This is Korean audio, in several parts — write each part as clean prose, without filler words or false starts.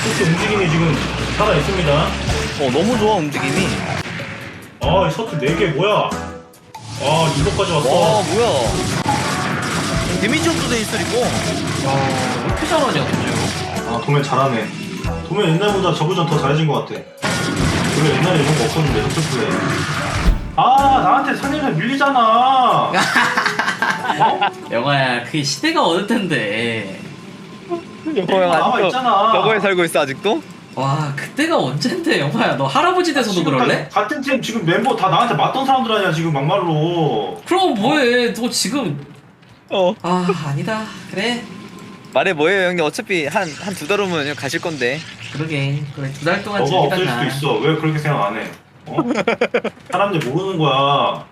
토끼 움직임이 지금 살아있습니다. 너무 좋아 움직임이. 아, 이 셔틀 4개 뭐야? 아, 이거까지 왔어. 와 뭐야. 데미지 업도 있어 이거. 왜 이렇게 잘하냐 도대체. 아, 도면 잘하네. 도면 옛날보다 저구전 더 잘해진 것 같아. 원래 옛날에 이런 거 없었는데, 셔틀 플레이. 아, 나한테 상대를 밀리잖아. 어? 영화야 그게 시대가 어느 텐데. 영호 형 나와 아직도 있잖아. 저거에 살고 있어 아직도? 와 그때가 언젠데 영화야. 너 할아버지 돼서도 지금 그럴래? 같은 팀 지금 멤버 다 나한테 맞던 사람들 아니야, 지금 막말로. 그럼 뭐해. 너 지금 아 아니다. 그래 말해 뭐예요 형님. 어차피 한 두 달 후면 그냥 가실 건데. 그러게. 그래 2달 동안 너가 없을 즐기다가. 수도 있어. 왜 그렇게 생각 안 해? 어? 사람들 모르는 거야.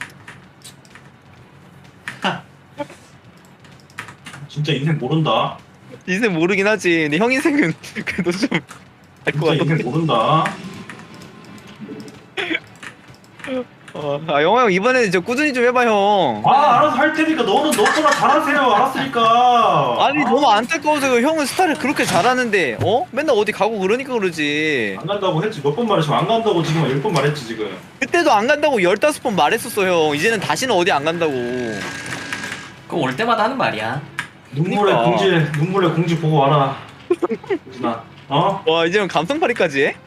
진짜 인생 모른다. 인생 모르긴 하지. 근데 형 인생은 그래도 좀 알 것 진짜 인생 같던데. 모른다. 아 영호 형 이번에는 저 꾸준히 좀 해봐 형. 아, 알아서 할 테니까 너는 너처럼 잘하세요. 알았으니까. 아니 너무 안타까워서 형은 스타를 그렇게 잘하는데 맨날 어디 가고 그러니까 그러지. 안 간다고 했지. 몇 번 말했지만 안 간다고 지금 10번 말했지 지금. 그때도 안 간다고 15번 말했었어 형. 이제는 다시는 어디 안 간다고. 그거 올 때마다 하는 말이야. 눈물의 공지 보고 와라. 유진아. 어? 와 이제는 감성팔이까지 해?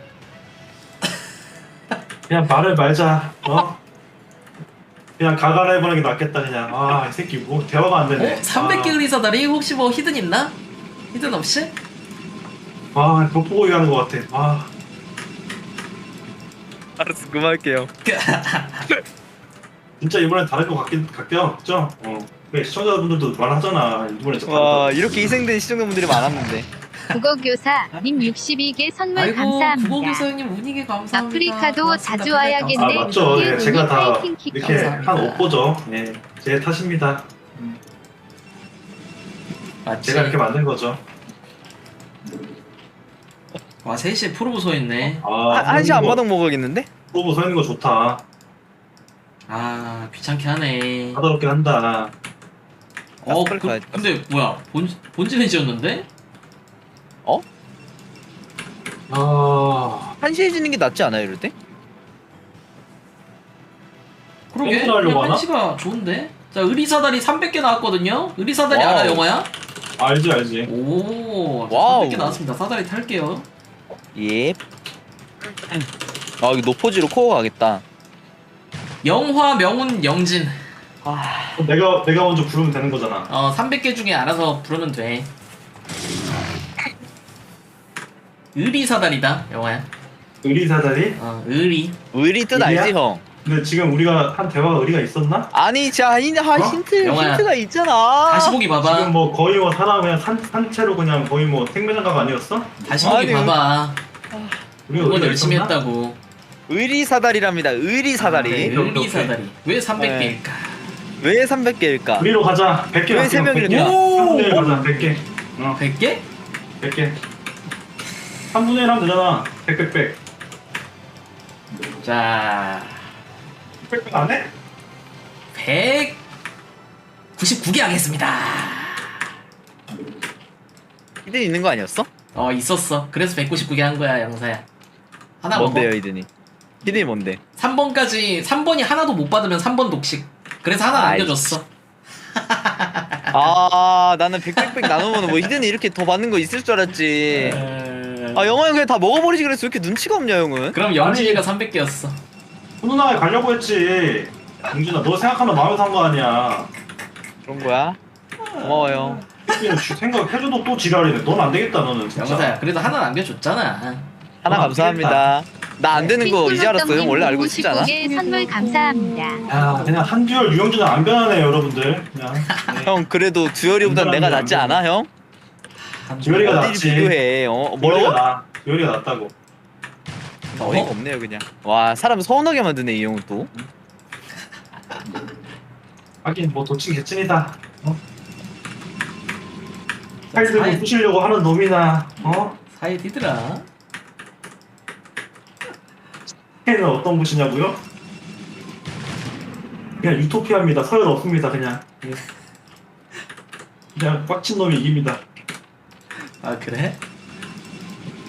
그냥 말을 말자. 어? 그냥 가가라 해보는 게 낫겠다 그냥. 아, 이 새끼 뭐 대화가 안 되네. 300개 의리사다리 혹시 뭐 히든 있나? 히든 없이? 아, 벽보고 얘기하는 것 같아. 아, 알았어 그만할게요. 진짜 이번엔 다를 것 같죠? 그래, 시청자분들도 말하잖아. 이번에 진짜 와 다르다. 이렇게 희생된 시청자분들이 많았는데. 국어교사 님 62개 선물 아이고 감사합니다. 국어교사님 운이게 감사합니다. 아프리카도 고맙습니다. 자주 와야겠네. 아, 맞죠. 예, 제가 다 파이팅 킥 이렇게 감사합니다. 한 옷보죠. 예, 제 탓입니다. 맞지? 제가 이렇게 만든 거죠. 와 3시에 프로보 서있네. 아, 한시 안마당 먹어야겠는데? 프로보 서 있는 거 좋다. 아 귀찮게 하네. 까다롭게 한다. 빨리 가야지. 근데 뭐야 본진에 지었는데? 아, 한시에 지는 게 낫지 않아요 이럴 때? 그러게 땡기나 하려고 그냥 하나? 한시가 좋은데? 자 의리사다리 300개 나왔거든요? 의리사다리 와우. 알아 영화야? 알지 알지. 오 와우. 300개 나왔습니다. 사다리 탈게요. 예. 아 이거 노포지로 코어 가겠다. 영화 명운 영진. 그럼 내가 먼저 부르면 되는 거잖아. 300개 중에 알아서 부르면 돼. 의리사다리다 영화야. 의리사다리? 의리. 의리 뜻 의리야? 알지 형? 근데 지금 우리가 한 대화가 의리가 있었나? 아니 자 힌트 영화야. 힌트가 있잖아. 다시 보기 봐봐. 지금 뭐 거의 뭐 사람 그냥 산채로 그냥 거의 뭐 생매장가가 아니었어? 다시 보기 아니, 봐봐. 우리가 이건 의리가 열심히 있었나? 했다고. 의리 사다리랍니다. 의리 사다리. 네, 오케이, 의리사다리. 왜 300개일까? 왜 300개일까? 의리로 가자. 100개 왜 맞게 세 명이나 100개. 되나? 3분의 1 가자. 100개. 100개? 100개. 3분의 1 하면 되잖아. 100. 자, 100 안 해? 199개 하겠습니다. 히든 있는 거 아니었어? 있었어. 그래서 199개 한 거야, 영사야. 하나 뭔데요 먹어. 히든이? 히든이 뭔데? 3번이 하나도 못 받으면 3번 독식. 그래서 하나 아이, 남겨줬어. 아 나는 100 나누면 뭐 히든이 이렇게 더 받는 거 있을 줄 알았지. 아 영화 형 그냥 다 먹어버리지 그랬어. 왜 이렇게 눈치가 없냐 형은? 그럼 영진이가 300개였어. 훈훈하게 가려고 했지. 용진아, 너 생각하면 마음에서 한 거 아니야. 그런 거야? 고마워요. 새끼는 생각해줘도 또 지랄이네. 넌 안 되겠다, 너는 진짜. 영사야, 그래도 하나 남겨줬잖아. 하나 감사합니다. 나 안 되는 거 이제 알았어. 형 원래 알고 있었지 않아? 55개 선물 감사합니다. 야, 그냥 한듀얼 유영진은 안 변하네, 여러분들. 그냥. 네. 형 그래도 듀얼이보단 내가 낫지 않아 형? 듀얼이가 어디를 낫지. 비교해? 뭐라고? 듀얼이가 낫다고. 어이가 없네요 그냥. 와 사람 서운하게 만드네 이 형은 또. 하긴 뭐 도친 개찐이다. 자, 팔 들고 사이- 부시려고 하는 놈이나 사이 디드라. 걔는 어떤 부시냐고요? 그냥 유토피아입니다. 서열 없습니다. 그냥 그냥 꽉친 놈이 이깁니다. 아 그래?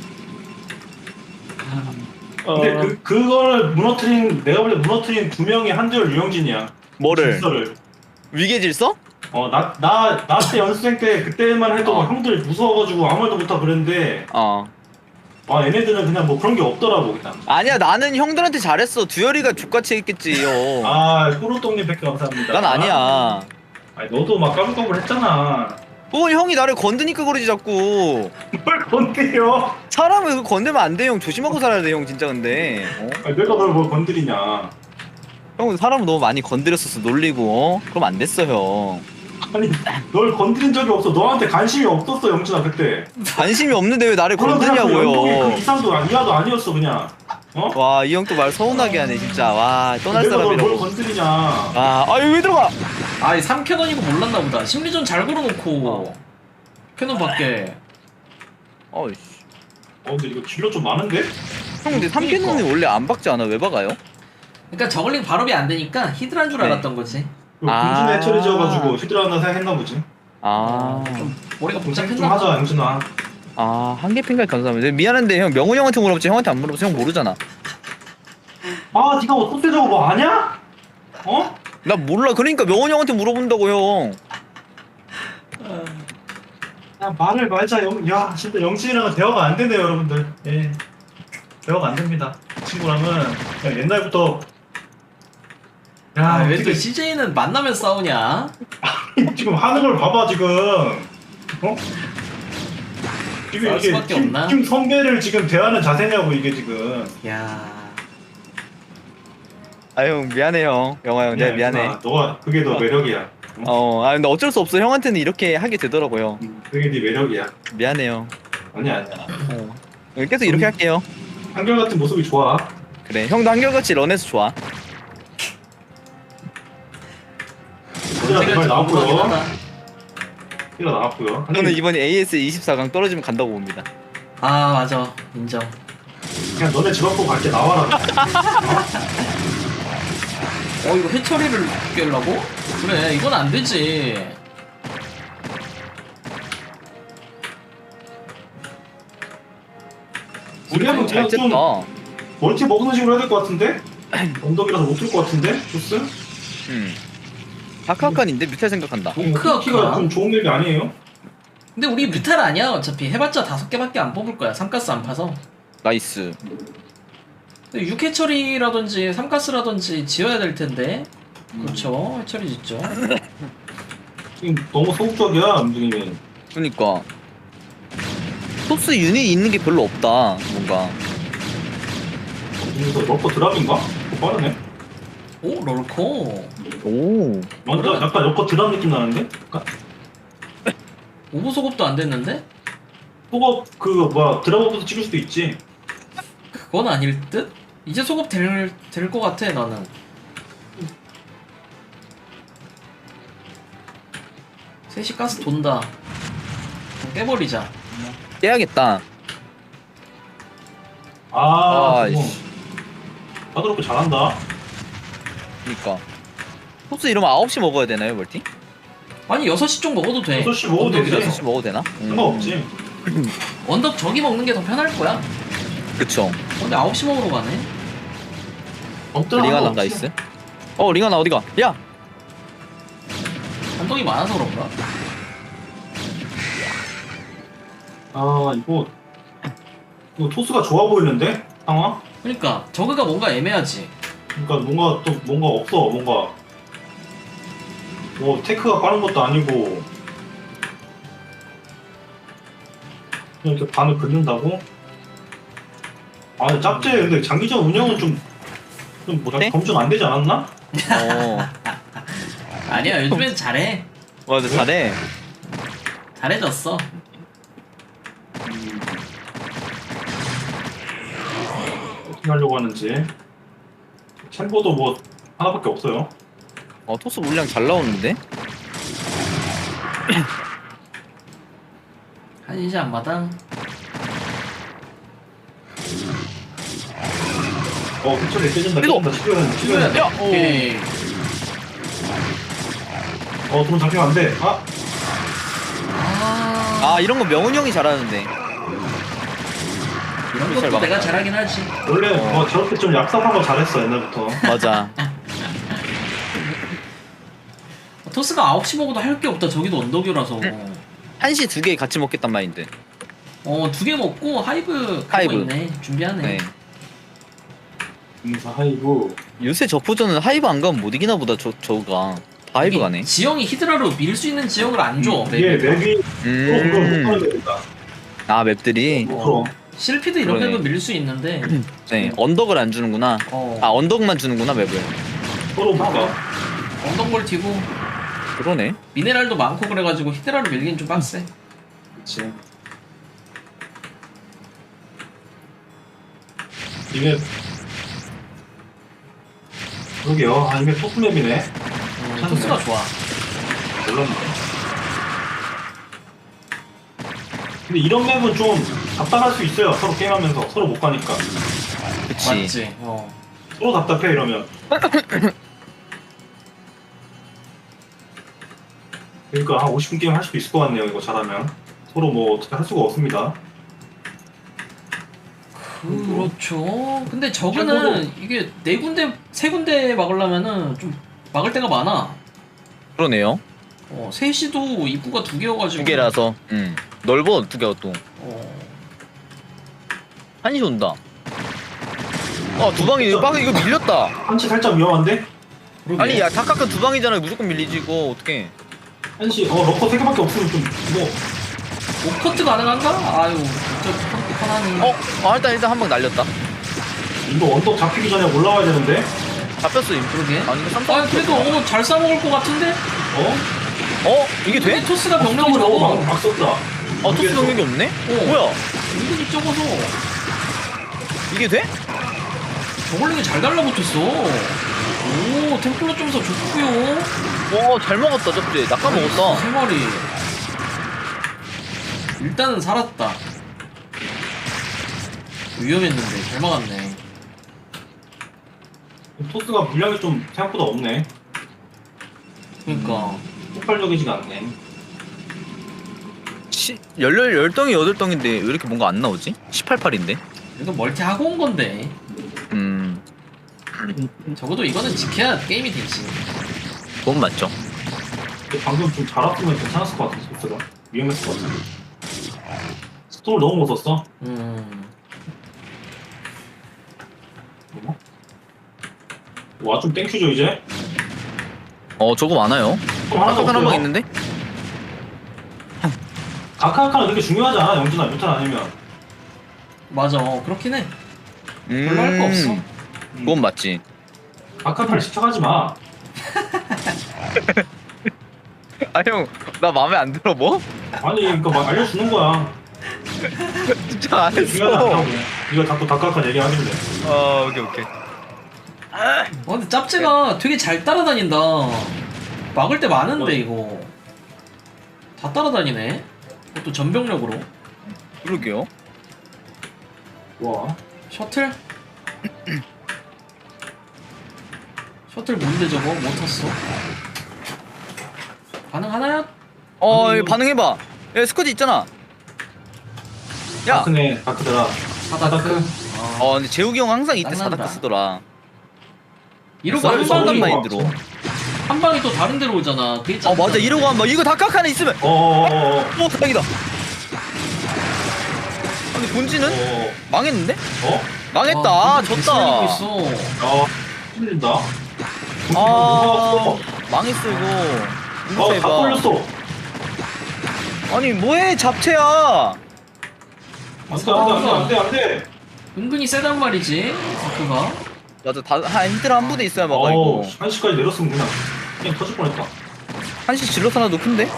근데 그걸 무너뜨린 내가 볼 때 무너뜨린 두 명이 한절 유영진이야. 뭐를? 질서를. 위계 질서? 나 때 연습생 때 그때만 해도 막 형들 무서워가지고 아무 말도 못하고 그랬는데 얘네들은 그냥 뭐 그런 게 없더라고 그냥. 아니야, 나는 형들한테 잘했어. 두열이가 족같이 했겠지요. 호루똥님 100개 감사합니다. 난 아니야. 아니 너도 막 까불까불 했잖아. 그건 형이 나를 건드니까 그러지 자꾸. 뭘 건드려? 사람을 그거 건들면 안 돼, 형. 조심하고 살아야 돼, 형. 진짜 근데. 아니, 내가 널 뭘 건드리냐? 형 사람을 너무 많이 건드렸었어, 놀리고. 그럼 안 됐어, 형. 아니 널 건드린 적이 없어. 너한테 관심이 없었어 영준아 그때. 관심이 없는데 왜 나를 그럼 그냥 그 건드냐고요. 이상도 이하도 아니었어 그냥. 와, 이 형 또 말 서운하게 하네, 진짜. 와, 떠날 내가 널 뭘 사람이라고. 건드리냐? 아유, 왜 들어가? 아이 3캐논이고 몰랐나 보다. 심리전 잘 걸어놓고 캐논 밖에. 어이씨. 근데 이거 진로 좀 많은데? 형, 근데 3캐논이 원래 안 박지 않아? 왜 박아요? 그러니까 저글링 발업이 안 되니까 히드라인 줄 네. 알았던 거지. 금준에 처리 지어가지고 히드라 하나 생각했나 보지. 좀 머리가 좀 복잡했나 하자 영준아. 한 개 핑까지 감사합니다. 미안한데 형, 명훈 형한테 물어봤지 형한테 안 물어봐서 형 모르잖아. 네가 어떻게 저거 뭐 아냐? 나 몰라. 그러니까 명훈 형한테 물어본다고, 형. 야 말을 말자 야 진짜 영진이랑은 대화가 안 되네요 여러분들. 예. 대화가 안 됩니다. 이 친구랑은 그냥 옛날부터. 왜 또 CJ는 만나면 싸우냐? 지금 하는 걸 봐봐 지금. 지금 싸울 이게 수밖에 없나? 팀 선배를 지금 대하는 자세냐고 이게 지금. 야. 형 미안해, 형. 영화 형, 내가 미안해. 너가 그게 너 매력이야. 근데 어쩔 수 없어. 형한테는 이렇게 하게 되더라고요. 그게 네 매력이야. 미안해요. 아니야. 계속 이렇게 할게요. 한결같은 모습이 좋아. 그래, 형도 한결같이 런해서 좋아. 얘들아 내말 나왔고요. 하다. 얘가 나왔고요. 저는 이번에 AS 24강 떨어지면 간다고 봅니다. 맞아. 인정. 그냥 너네 집 앞으로 갈게 나와라. 이거 해처리를 깨려고? 그래, 이건 안 되지. 우리는 잘 그냥 좀 쨌다. 멀티 먹는 식으로 해야 될 것 같은데? 언덕이라서 못 들 것 같은데? 조스? 다크아칸인데 뮤탈 생각한다. 오크아카? 키가 좀 좋은 맵이 아니에요? 근데 우리 뮤탈 아니야. 어차피 해봤자 5개밖에 안 뽑을 거야. 3가스 안 파서. 나이스. 6해처리라든지 3가스라든지 지어야 될 텐데. 그렇죠. 해처리 짓죠. 지금 너무 소극적이야 움직임이. 그니까 토스 유닛 있는 게 별로 없다. 뭔가. 여기서 러커 드랍인가? 그거 빠르네. 오, 롤코. 오. 맞아, 약간 러커 드랍 느낌 나는데? 약간? 오버 소급도 안 됐는데? 소급 드랍업부터 찍을 수도 있지. 그건 아닐 듯? 이제 소급 될 것 같아, 나는. 셋이 가스 돈다. 깨버리자. 깨야겠다. 저거. 이씨. 나도 그렇게 잘한다. 그니까 토스 이러면 9시 먹어야 되나요, 멀티? 아니 6시 쪽 먹어도 돼. 6시 먹어도 되지. 언덕이라서. 6시 먹어도 되나? 상관없지. 언덕 저기 먹는 게 더 편할 거야. 그쵸. 근데 9시 먹으러 가네. 링하나 나이스. 링하나 어디가? 야! 언덕이 많아서 그런가? 이거 토스가 좋아 보이는데? 상황? 그러니까 저그가 뭔가 애매하지. 그러니까 뭔가 없어. 뭔가 뭐 테크가 빠른 것도 아니고 그냥 이렇게 반을 긋는다고? 짭제. 근데 장기전 운영은 좀 못해? 검증 안 되지 않았나? 아니야, 요즘엔 잘해. 맞아, 잘해. 잘해졌어. 어떻게 하려고 하는지. 챔버도 뭐 하나밖에 없어요. 토스 물량 잘 나오는데? 한시 앞마당. 그쪽에 깨진다. 이거! 치료해야 찍어야 돼. 야, 오케이. 돈 잡히면 안 돼. 이런 거 명훈 형이 잘하는데. 이런 잘 것도 막- 내가 잘하긴 하지. 원래 뭐 저렇게 좀 얍삽한 거 잘했어 옛날부터. 맞아. 토스가 9시 먹어도 할 게 없다. 저기도 언덕이라서. 한시 2개 같이 먹겠단 마인드. 2개 먹고 하이브 하이브. 하이브 있네. 준비하네. 네. 인사 하이브. 요새 저포전은 하이브 안 가면 못 이기나 보다. 저가 다 하이브 가네. 지형이 히드라로 밀 수 있는 지형을 안 줘. 이게 맵이 그럼 못 가는 맵이다. 아 맵들이. 그럼. 실피도 이런 그러네. 맵은 밀 수 있는데. 네 언덕을 안 주는구나. 아 언덕만 주는구나 맵을. 서로 못 가. 언덕 멀티고 그러네. 미네랄도 많고 그래가지고 히드라로 밀긴 좀 빡세. 그치. 이게 그러게요. 아 이게 토스맵이네. 토스가 좋아. 몰랐네. 근데 이런 맵은 좀 답답할 수 있어요. 서로 게임하면서 서로 못 가니까. 그치. 맞지. 서로 답답해 이러면. 그러니까 한 50분 게임 할 수도 있을 것 같네요. 이거 잘하면. 서로 뭐 어떻게 할 수가 없습니다. 그렇죠. 근데 저거는 이게 4군데, 3군데 막으려면은 좀 막을 데가 많아. 그러네요. 셋이도 입구가 2개여가지고. 2개라서. 넓어 2개가 또. 한시 온다. 아 두방이 이거 밀렸다. 한치 살짝 위험한데? 그러게. 아니 야 다카카 두방이잖아. 무조건 밀리지 이거 어떡해. 한치 러커 3개밖에 없으면 좀 뭐. 오커트 가능한가? 아유, 진짜 편하네. 일단 한 방 날렸다. 이거 언덕 잡히기 전에 올라와야 되는데? 잡혔어 이거. 그러게. 아니 이거 쌈 그래도 잘 싸먹을 것 같은데? 이게 돼? 토스가 병력이 너무 적어. 막 썼다. 토스 병력이 없네? 뭐야? 은근히 적어서 이게 돼? 저걸링이 잘 달라붙었어. 오, 템플러 점수 좋고요. 잘 먹었다 접지. 낙하 먹었다. 3마리. 일단은 살았다. 위험했는데 잘 막았네. 토스가 분량이 좀 생각보다 없네. 그러니까 폭발적이지가 않네. 10덩이 8덩인데 왜 이렇게 뭔가 안 나오지? 18팔인데? 이거 멀티 하고 온 건데 적어도 이거는 지켜야 게임이 되지. 그건 맞죠. 근데 방금 좀 잘 왔으면 괜찮았을 것 같아. 토스가 위험했을 것 같아. 스톰을 너무 못 썼어. 와 좀 땡큐죠 이제. 저거 많아요. 좀 하나도 아까 한방 없어요. 있는데? 아카아카는 그렇게 중요하지 않아. 영준아 뮤탄 아니면. 맞아, 그렇긴 해. 별로 할 거 없어. 그건 맞지. 아카아카를 시켜가지 마. 아 형, 나 마음에 안 들어 뭐? 아니 그러니까 막 알려주는 거야. 진짜 안 그게 중요하지 않다고. 네가 자꾸 아카아카 얘기하길래. 오케이. 근데 짭제가 되게 잘 따라다닌다. 막을 때 많은데 이거 다 따라다니네. 그것도 전병력으로. 그러게요. 와. 셔틀? 셔틀 뭔데 저거? 못 탔어. 가능하나요? 이거 반응해봐. 야 스쿼드 있잖아. 야. 다크네 다크더라. 사다크. 근데 재욱이 형 항상 이때 낭난다. 사다크 쓰더라. 이러고 한 썰 방이 마인드로. 한 방이 또 다른 데로 오잖아. 그게 짱이다. 맞아 이러고 한번 이거 다카카 하나 있으면. 다행이다. 근데 본진은 망했는데? 망했다. 와, 졌다. 있어. 힘들다. 망했어 이거. 다 해봐. 걸렸어. 아니 뭐해 잡채야. 안돼. 은근히 세단 말이지. 다크가. 맞아 힌트를 한 부대 있어야 막아 이거. 한시까지 내렸으면 그냥 터질 뻔했다. 한시 질럿 하나도 큰데?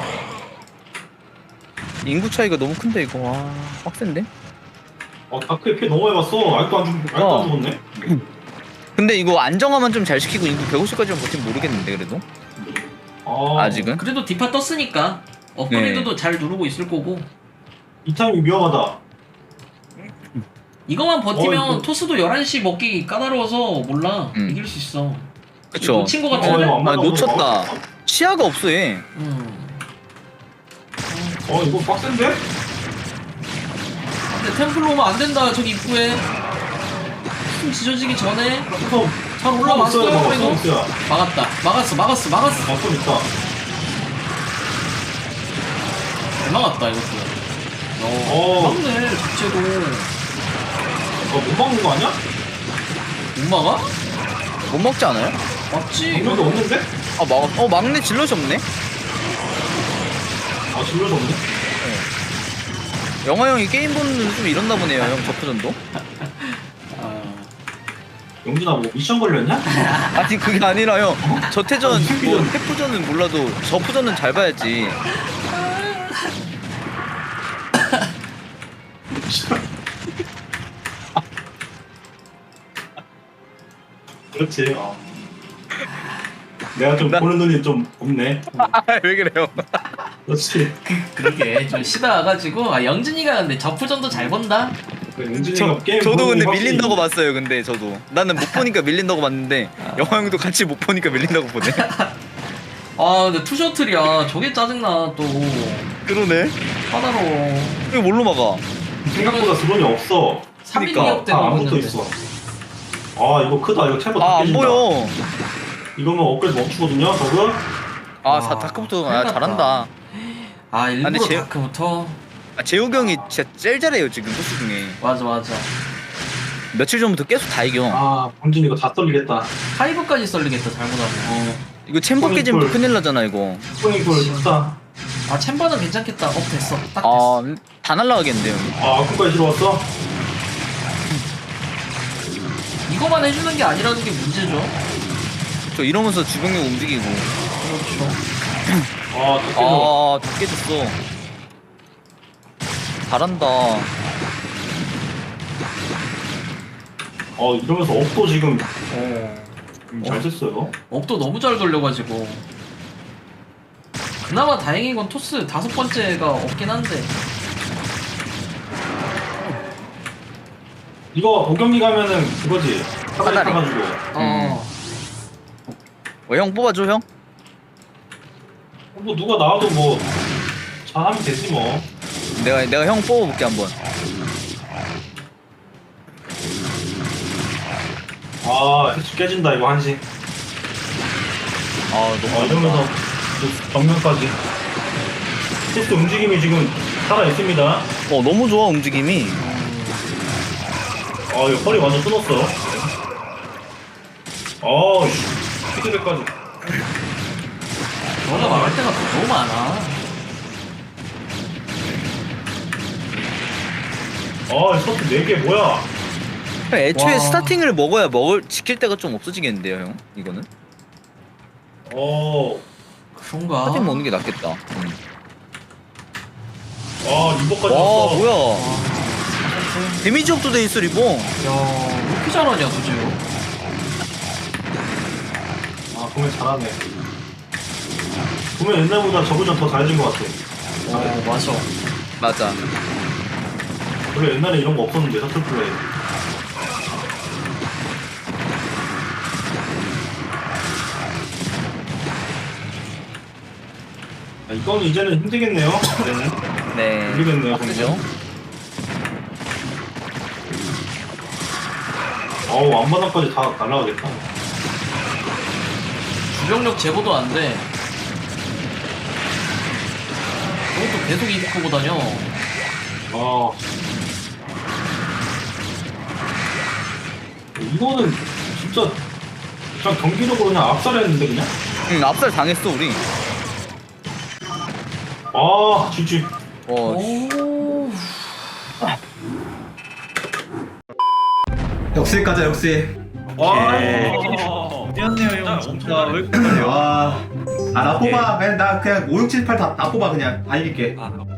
인구 차이가 너무 큰데 이거. 와 빡센데? 다크에 피해 너무 많이 봤어. 아직도 안 죽었네. 근데 이거 안정화만 좀 잘 시키고 인구 150까지만 버티면 모르겠는데 그래도? 아직은? 그래도 디파 떴으니까 업그레이드도 잘 누르고 있을 거고. 이 타이밍 위험하다. 이거만 버티면 이거- 토스도 11시 먹기 까다로워서 몰라. 이길 수 있어. 그쵸. 놓친 거 같은데? 놓쳤다. 시야가 없어 얘. 근데 이거 빡센데? 템플로 오면 안 된다. 저기 입구에 숨 지져지기 전에 그래서 잘 올라왔어요. 그래도 있어요. 막았다. 막았어. 막고 있다. 잘 막았다 이것도. 막네 자체도. 못 막는 거 아니야? 못 막아? 못 먹지 않아요? 맞지. 이것도 없는데? 아 막내 질럿이 없네? 아 질러서 없네? 영화 형이 게임 보는 눈 좀 이렇나 보네요 형 저프전도. 아, 영준아 뭐 미션 걸렸냐? 아니 그게 아니라 형 저태전 아니, 뭐 새끼전. 태프전은 몰라도 저프전은 잘 봐야지. 그렇지. 내가 좀 보는 눈이 좀 없네. 왜 그래요? 그렇지. 그러게 좀 쉬다 와가지고 영진이가 근데 저프전도 잘 본다. 영준이가 게임 저도 보는 근데 게 확실히- 밀린다고 봤어요. 근데 저도 나는 못 보니까 밀린다고 봤는데 영화 형도 같이 못 보니까 밀린다고 보네. 아 근데 투셔틀이야. 저게 짜증나 또. 그러네. 하나로 이거 뭘로 막아? 생각보다 드론이 없어. 3mm 그러니까. 업 때문에 다 안 붙어 보는데. 있어. 아 이거 크다. 이거 챔버 아 안 깨진다. 보여. 이거면 업그레이드 멈추거든요. 저거. 아 다크부터 큰일 났다. 잘한다. 아 일부러 근데 제- 다크부터. 아, 재욱이 형이 진짜 제일 잘해요 지금 토스 중에. 맞아. 며칠 전부터 계속 다 이겨. 아 범준 이거 다 떨리겠다. 하이브까지 썰리겠다 잘못하면. 이거 챔버 깨지면 또 꿀. 큰일 나잖아 이거. 스포닝풀 크다. 아 챔버는 괜찮겠다. 업 됐어. 딱 됐어. 다 날라가겠는데 형이. 아 끝까지 들어왔어? 이거만 해주는 게 아니라는 게 문제죠. 저 이러면서 주병력 움직이고. 그렇죠. 아 또 다 깨졌어. 잘한다. 이러면서 업도 지금 잘 어. 됐어요. 업도 너무 잘 돌려가지고. 그나마 다행인 건 토스 5번째가 없긴 한데. 이거 5경기 가면은 그거지. 사다리 사다리. 타가지고. 형 뽑아줘 형. 뭐 누가 나와도 뭐 잘하면 되지 뭐. 내가 형 뽑아볼게 한번. 아 해치 깨진다 이거 한시. 너무 이러면서 또 정면까지. 테스트 움직임이 지금 살아 있습니다. 너무 좋아 움직임이. 이거 허리 완전 끊었어. 피드백까지. 저가 말할 때가 너무 많아. 서트 4개 뭐야? 애초에 와. 스타팅을 먹어야 지킬 때가 좀 없어지겠는데요 형. 이거는 그런가? 스타팅 먹는 게 낫겠다. 리버까지 와 왔어. 뭐야? 데미지 업도 돼 있어 리본. 야, 왜 이렇게 잘하냐, 도지요? 보면 잘하네. 보면 옛날보다 저보다 더 잘해진 것 같아. 맞아. 맞아. 원래 옛날에 이런 거 없었는데 셔틀 플레이. 이거는 이제는 힘들겠네요. 이제는 네. 모르겠네요, 그죠? 앞마당까지 다 날아가겠다. 주병력 제거도 안 돼. 저것도 계속 이득하고 다녀. 이거는 진짜 그냥 경기력으로 그냥 압살했는데 그냥. 응 압살 당했어 우리. GG. 오. 역시 가자 역시. 미안해요 형. 진짜 왜 이렇게 걸려? 나 뽑아. 나 그냥 5, 6, 7, 8 다 뽑아 그냥. 다 이길게.